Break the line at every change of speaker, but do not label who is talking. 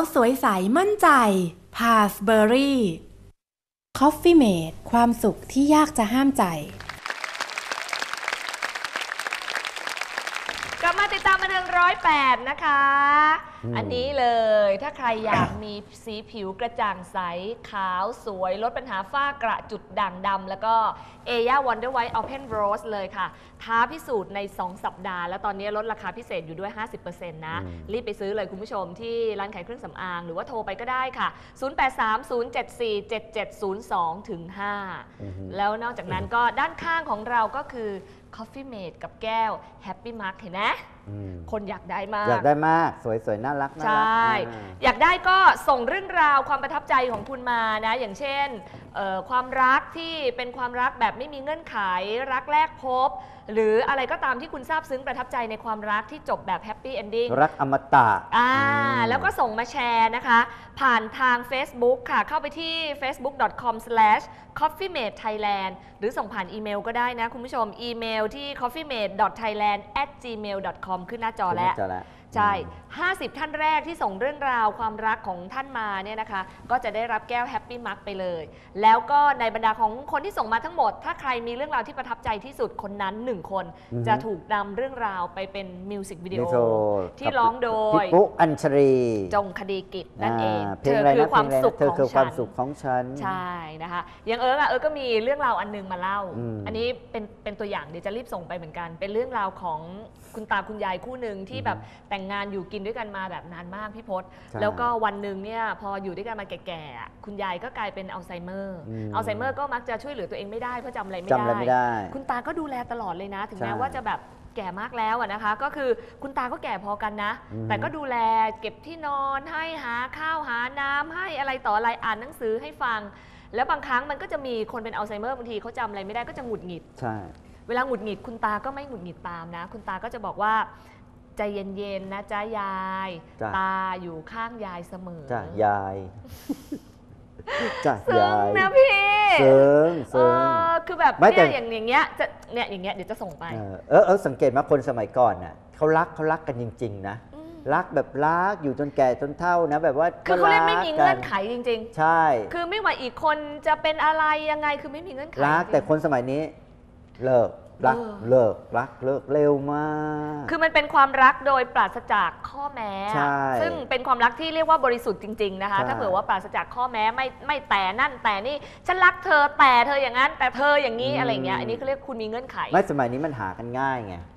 สวยใสมั่นใจพาสเบอรี่คอฟฟี่เมดความสุขที่ยากจะห้ามใจ
กลับมาติดตามบันเทิง108นะคะอันนี้เลยถ้าใครอยากมีสีผิวกระจ่างใสขาวสวยลดปัญหาฝ้ากระจุดด่างดำแล้วก็เอย่า Wonder White Open Rose เลยค่ะท้าพิสูจน์ใน2 สัปดาห์แล้วตอนนี้ลดราคาพิเศษอยู่ด้วย 50% นะรีบไปซื้อเลยคุณผู้ชมที่ร้านขายเครื่องสำอางหรือว่าโทรไปก็ได้ค่ะ 0830747702-5 แล้วนอกจากนั้นก็ด้านข้างของเราก็คือ Coffee Mate กับแก้ว Happy Mark เห็นไหมคนอยากได้มาก
อยากได้มากสวยๆน่ารัก
ใช่อยากได้ก็ส่งเรื่องราวความประทับใจของคุณมานะอย่างเช่นความรักที่เป็นความรักแบบไม่มีเงื่อนไขรักแรกพบหรืออะไรก็ตามที่คุณซาบซึ้งประทับใจในความรักที่จบแบบแฮปปี้เอนดิ้ง
รักอมตะ
แล้วก็ส่งมาแชร์นะคะผ่านทาง Facebook ค่ะเข้าไปที่ facebook.com/coffeemate.thailand หรือส่งผ่านอีเมลก็ได้นะคุณผู้ชมอีเมลที่ coffeemate.thailand@gmail.com ขึ้นหน้าจอแล้วใช่50 ท่านแรกที่ส่งเรื่องราวความรักของท่านมาเนี่ยนะคะก็จะได้รับแก้วแฮปปี้มาร์กไปเลยแล้วก็ในบรรดาของคนที่ส่งมาทั้งหมดถ้าใครมีเรื่องราวที่ประทับใจที่สุดคนนั้น1 คนจะถูกนำเรื่องราวไปเป็นมิวสิกวิดีโอที่ร้องโดย
พี่ปุ๊อัญชรี
จงคดีกิจนั่นเองเธอคือความสุข
ของฉัน
ใช่นะคะอย่างเอิร์กก็มีเรื่องราวอันนึงมาเล่าอันนี้เป็นตัวอย่างเดี๋ยวจะรีบส่งไปเหมือนกันเป็นเรื่องราวของคุณตาคุณยายคู่หนึ่งที่แบบแต่งงานอยู่กินด้วยกันมาแบบนานมากพี่พศแล้วก็วันหนึ่งเนี่ยพออยู่ด้วยกันมาแก่ๆคุณยายก็กลายเป็นอัลไซเมอร์ก็มักจะช่วยเหลือตัวเองไม่ได้เพราะจำอะไรไม่ได้คุณตาก็ดูแลตลอดเลยนะถึงแม้ว่าจะแบบแก่มากแล้วนะคะก็คือคุณตาก็แก่พอกันนะแต่ก็ดูแลเก็บที่นอนให้หาข้าวหาน้ำให้อะไรต่ออะไรอ่านหนังสือให้ฟังแล้วบางครั้งมันก็จะมีคนเป็นอัลไซเมอร์บางทีเขาจำอะไรไม่ได้ก็จะหงุดหงิด
ใช่
เวลาหงุดหงิดคุณตาก็ไม่หงุดหงิดตามนะคุณตาก็จะบอกว่าใจเย็นๆนะจ๊ะยายตาอยู่ข้างยายเสมอ
จ้ะยายจ้ะ
ยายนะพี่
เซิง
คือแบบเนี่ยอย่างเงี้ยจะเนี่ยอย่างเงี้ยเดี๋ยวจะส่งไป
สังเกตไหมคนสมัยก่อนน่ะเขารักกันจริงๆนะรักแบบรักอยู่จนแก่จนเฒ่านะแบบว่า
คือเขาเรียกไม่มีเงื่อนไขจริง
ๆใช่
คือไม่ว่าอีกคนจะเป็นอะไรยังไงคือไม่มีเงื่อนไข
รักแต่คนสมัยนี้เลิกรักเลิกเร็วมาก
คือมันเป็นความรักโดยปราศจากข้อแม้ซึ่งเป็นความรักที่เรียกว่าบริสุทธิ์จริงๆนะคะถ้าเผื่อว่าปราศจากข้อแม้ไม่แต่นั่นแต่นี่ฉันรักเธอแต่เธออย่างนั้นแต่เธออย่างนี้อะไรเงี้ยอันนี้เขาเรียกคุณมีเงื่อนไข
ไม่สมัยนี้มันหากันง่ายไง